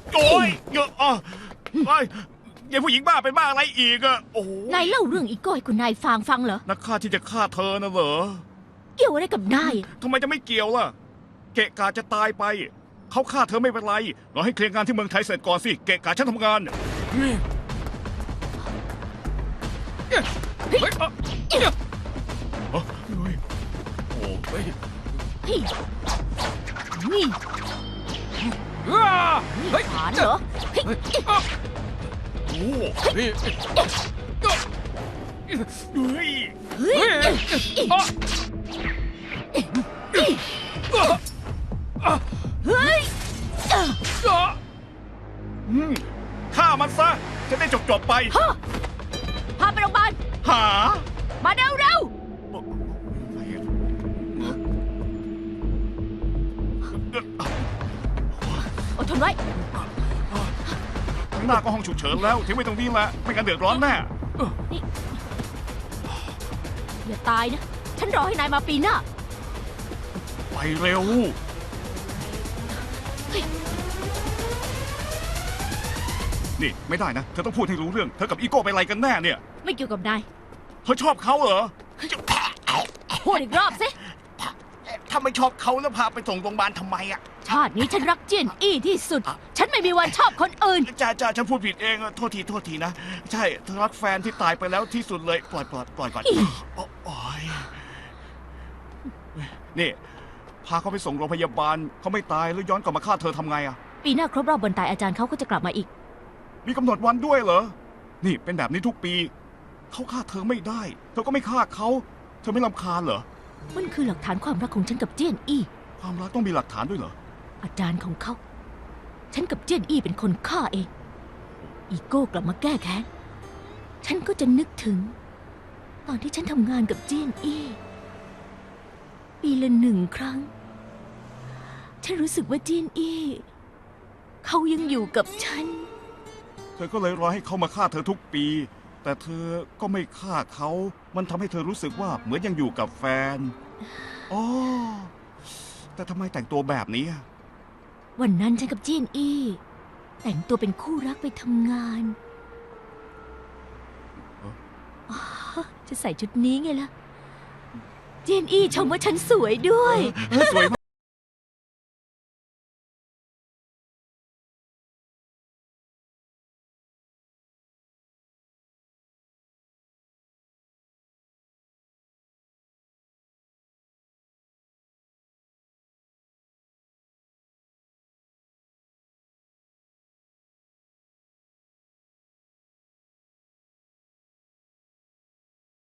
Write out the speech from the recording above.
โอ้ยเงอะอ่ะไอ้ยายผู้หญิงบ้าเป็นบ้าอะไรอีกอะโอ้โหนายเล่าเรื่องอีโก้ให้คุณนายฟังเหรอนักฆ่าที่จะฆ่าเธอนะเหรอเกี่ยวอะไรกับนายทำไมจะไม่เกี่ยวล่ะ เกะกาจะตายไป เขาฆ่าเธอไม่เป็นไรรอให้เคลียร์งานที่เมืองไทยเสร็จก่อนสิ เกะกาฉันทำงานเฮ้ยโอ้ยนี่นี่เฮ้ยฐานเหรอเฮ้ยโอ้เฮ้ยเฮ้ยเฮ้ยฆ่ามันซะ จะได้จบไปพาไปโรงพยาบาลหามาเร็วอดทนไว้ข้างหน้าก็ห้องฉุกเฉินแล้วทิ้งไว้ตรงนี้แหละ ไม่งั้นเดือดร้อนแน่อย่าตายนะ ฉันรอให้นายมาปีหน้าไปเร็ว นี่ไม่ได้นะ เธอต้องพูดให้รู้เรื่อง เธอกับอีโก้ไปอะไรกันแน่เนี่ยไม่เกี่ยวกับนายเธอชอบเขาเหรอพูดอีกรอบสิถ้าไม่ชอบเขาแล้วพาไปส่งโรงพยาบาลทำไมอ่ะชาตินี้ฉันรักเจียนอี้ที่สุด ฉันไม่มีวันชอบคนอื่นจ้าฉันพูดผิดเองอะโทษทีนะ ใช่เธอรักแฟนที่ตายไปแล้วที่สุดเลย ปล่อยก่อนอีโอ้ยนี่ พาเขาไปส่งโรงพยาบาลเขาไม่ตายแล้วย้อนกลับมาฆ่าเธอทำไงอะปีหน้าครบรอบวันตายอาจารย์เขาก็จะกลับมาอีกมีกำหนดวันด้วยเหรอ นี่เป็นแบบนี้ทุกปี เขาฆ่าเธอไม่ได้ เธอก็ไม่ฆ่าเขา เธอไม่รำคาญเหรอมันคือหลักฐานความรักของฉันกับเจียนอี้ความรักต้องมีหลักฐานด้วยเหรออาจารย์ของเขา ฉันกับเจียนอี้เป็นคนฆ่าเอง อีโก้กลับมาแก้แค้น ฉันก็จะนึกถึง ตอนที่ฉันทำงานกับเจียนอี้ ปีละ1 ครั้ง ฉันรู้สึกว่าเจียนอี้ เขายังอยู่กับฉันเธอก็เลยรอให้เขามาฆ่าเธอทุกปี แต่เธอก็ไม่ฆ่าเขา มันทำให้เธอรู้สึกว่าเหมือนยังอยู่กับแฟนอ๋อแต่ทำไมแต่งตัวแบบนี้อะวันนั้นฉันกับเจียนอี้ แต่งตัวเป็นคู่รักไปทำงานอ๋อจะใส่ชุดนี้ไงล่ะ เจียนอี้ชมว่าฉันสวยด้วยสวย